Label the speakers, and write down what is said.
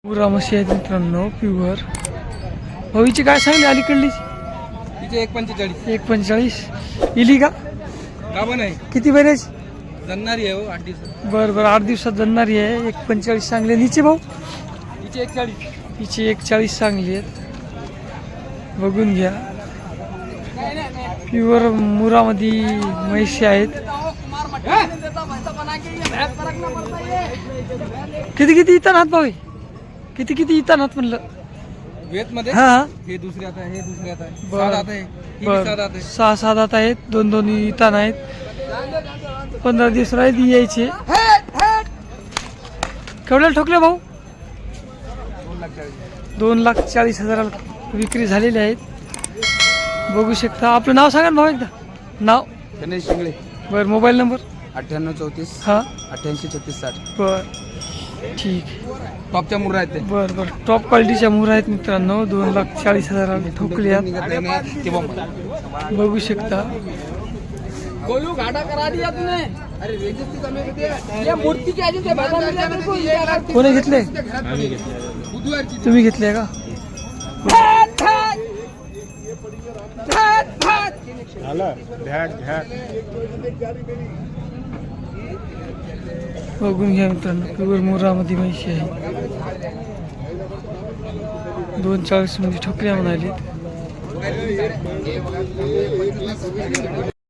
Speaker 1: पुरा म्हशी आहेत मित्रांनो प्युअर. भाऊची काय सांगली अलीकडली?
Speaker 2: तिचे 1.45
Speaker 1: 1.45 इली का?
Speaker 2: गाभण आहे.
Speaker 1: किती महिन्याची?
Speaker 2: जन्नारी आहे हो 8 दिवसात.
Speaker 1: बरं बरं 8 दिवसात जन्नारी आहे. 1.45 सांगले. नीचे भाऊ
Speaker 2: तिचे 41.
Speaker 1: तिची 1.40 सांगली आहेत. बघून घ्या प्युअर मुरामध्ये म्हशी आहेत. किती किती इथं नात भाऊ? किती किती इथं नात म्हणलं?
Speaker 2: वेत मध्ये
Speaker 1: हा हा
Speaker 2: हे दुसरे आता हे दुसरे आता आहे.
Speaker 1: बरं.
Speaker 2: सात आता आहे. ही
Speaker 1: बरं.
Speaker 2: सात आता आहे.
Speaker 1: 6-7 दात आहेत. दोन इतान आहेत. 15 दिवस राहिले यायचे. केवढ्याला ठोकले भाऊ? 2,40,000 विक्री झालेली आहेत. बघू शकता. आपलं नाव सांगा ना भाऊ एकदा. नाव?
Speaker 2: गणेश शिंगळे.
Speaker 1: बरं मोबाईल नंबर?
Speaker 2: 9834
Speaker 1: हां
Speaker 2: 883660.
Speaker 1: बरं ठीक.
Speaker 2: टॉपच्या मुर्रा आहेत ते.
Speaker 1: बरं बरं टॉप क्वालिटीच्या मुरा आहेत मित्रांनो. 2,40,000 ठोकले आहेत.
Speaker 2: निघत नाही ते बॉम्ब.
Speaker 1: बघू शकता.
Speaker 3: गोलू घाटा करा दिया तूने. अरे रेजिस्ट्री कमी होते ये मूर्ति के आजे से बाबा मिला मेरे को ये लगा.
Speaker 1: कोणी घेतले?
Speaker 2: बुधवारची
Speaker 1: तुम्ही घेतले का? बघून घ्या मित्रांनो प्युअर मुरामध्ये म्हशी आहे. 2.40 मध्ये ठोकल्या म्हणाले.